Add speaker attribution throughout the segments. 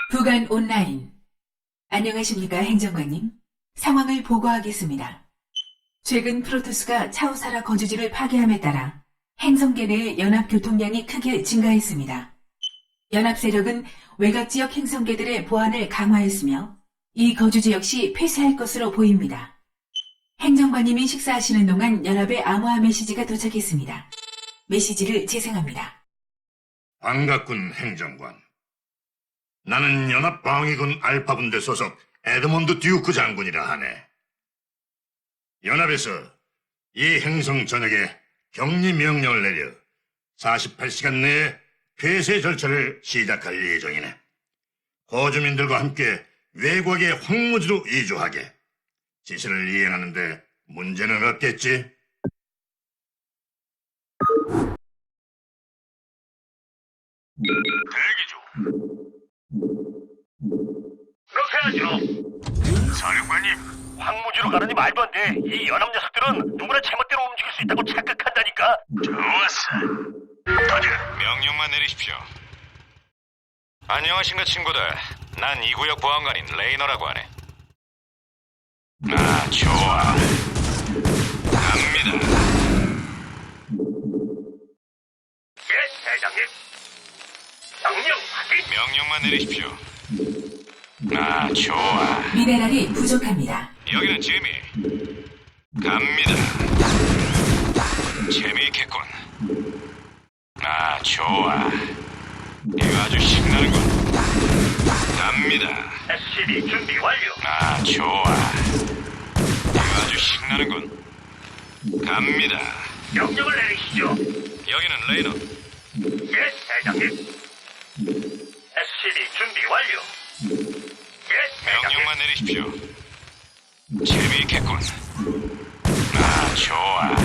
Speaker 1: 부간 온라인. 안녕하십니까, 행정관님. 상황을 보고하겠습니다. 최근 프로토스가 차우사라 거주지를 파괴함에 따라 행성계 내의 연합 교통량이 크게 증가했습니다. 연합 세력은 외곽 지역 행성계들의 보안을 강화했으며 이 거주지 역시 폐쇄할 것으로 보입니다. 행정관님이 식사하시는 동안 연합의 암호화 메시지가 도착했습니다. 메시지를 재생합니다.
Speaker 2: 반갑군, 행정관. 나는 연합방위군 알파분대 소속 에드몬드 듀크 장군이라 하네. 연합에서 이 행성 전역에 격리 명령을 내려 48시간 내에 폐쇄 절차를 시작할 예정이네. 거주민들과 함께 외곽의 황무지로 이주하게. 지시를 이행하는데 문제는 없겠지?
Speaker 3: 대기 중. 그렇게 하죠. 사령관님, 황무지로 가느니 말도 안 돼. 이 연합 녀석들은 누구나 제멋대로 움직일 수 있다고 착각한다니까. 좋았어. 터져.
Speaker 4: 명령만 내리십시오. 안녕하신가 친구들. 난 이 구역 보안관인 레이너라고 하네. 아, 좋아. 갑니다.
Speaker 3: 예, 대장님. 명령 확인.
Speaker 4: 명령만 내리십시오. 아, 좋아.
Speaker 1: 미네랄이 부족합니다.
Speaker 4: 여기는 재미. 갑니다. 재미있겠군. 아, 좋아. 이거 아주 신나는군. 갑니다.
Speaker 3: SCB 준비 완료.
Speaker 4: 아, 좋아. 이거 아주 신나는군. 갑니다.
Speaker 3: 명령을 내리시죠.
Speaker 4: 여기는 레이너.
Speaker 3: 예, 대장님. SCB 준비 완료. 예, 대장님.
Speaker 4: 명령만 내리십시오. 재미있겠군. 아, 좋아.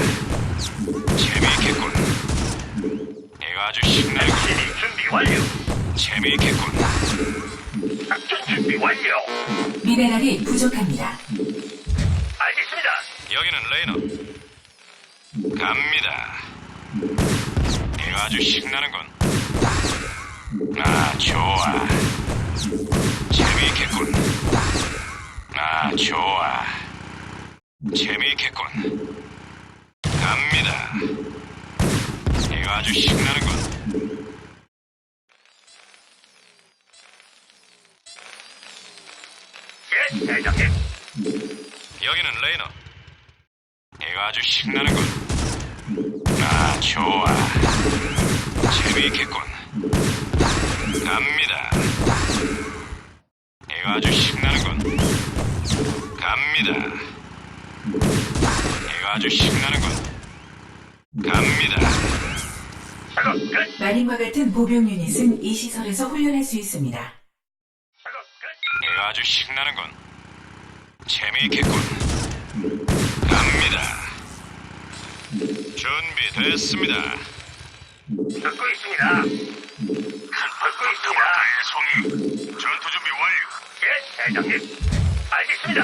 Speaker 4: 재미있겠군. 이거 아주 신나는군.
Speaker 3: SCB 준비 완료.
Speaker 4: 재미있겠군.
Speaker 3: 작전 준비 완료.
Speaker 1: 미네랄이 부족합니다.
Speaker 3: 알겠습니다.
Speaker 4: 여기는 레이너. 갑니다. 이거 아주 신나는군. 아, 좋아. 재미있겠군. 아, 좋아. 재미있겠군. 갑니다. 이거 아주 신나는군.
Speaker 3: 예, 대장님.
Speaker 4: 여기는 레이너. 이거 아주 신나는군. 아, 좋아. 재미있겠군. 갑니다. 이거 아주 신나는군. 갑니다. 이거 아주 신나는군. 갑니다.
Speaker 3: 작업 끝.
Speaker 1: 마린과 같은 보병 유닛은 이 시설에서 훈련할 수 있습니다.
Speaker 3: 작업 끝.
Speaker 4: 이거 아주 신나는군. 재미있겠군. 갑니다. 준비됐습니다.
Speaker 3: 듣고 있습니다. 듣고 있습니다. 송이. 전투 준비 완료. 예, 대장님. 알겠습니다.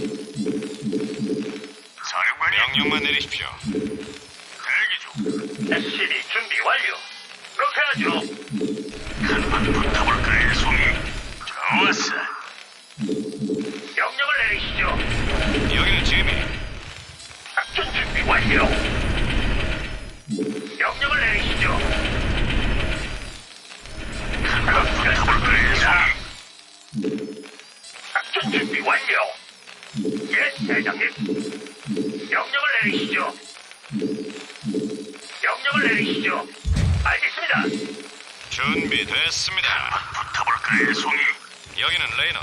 Speaker 3: 사령관님.
Speaker 4: 명령만 내리십시오.
Speaker 3: 대기 중. SCB 준비 완료. 그렇게 하죠. 한번 붙어볼까요, 송이? 좋았어. 명령을 내리시죠.
Speaker 4: 여기는 재미.
Speaker 3: 작전 준비 완료. 명령을 내리시죠. 한번 붙어볼까요, 송이? 작전 준비 완료. 예, 대장님. 명령을 내리시죠. 명령을 내리시죠. 알겠습니다.
Speaker 4: 준비됐습니다.
Speaker 3: 붙어볼까요, 송이?
Speaker 4: 여기는 레이너.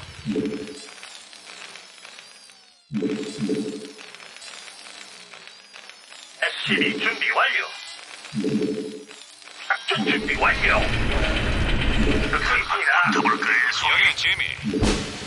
Speaker 3: SCB 준비 완료. 작전 준비 완료. 듣고 있습니다. 붙어볼까요, 송이?
Speaker 4: 여기는 재미.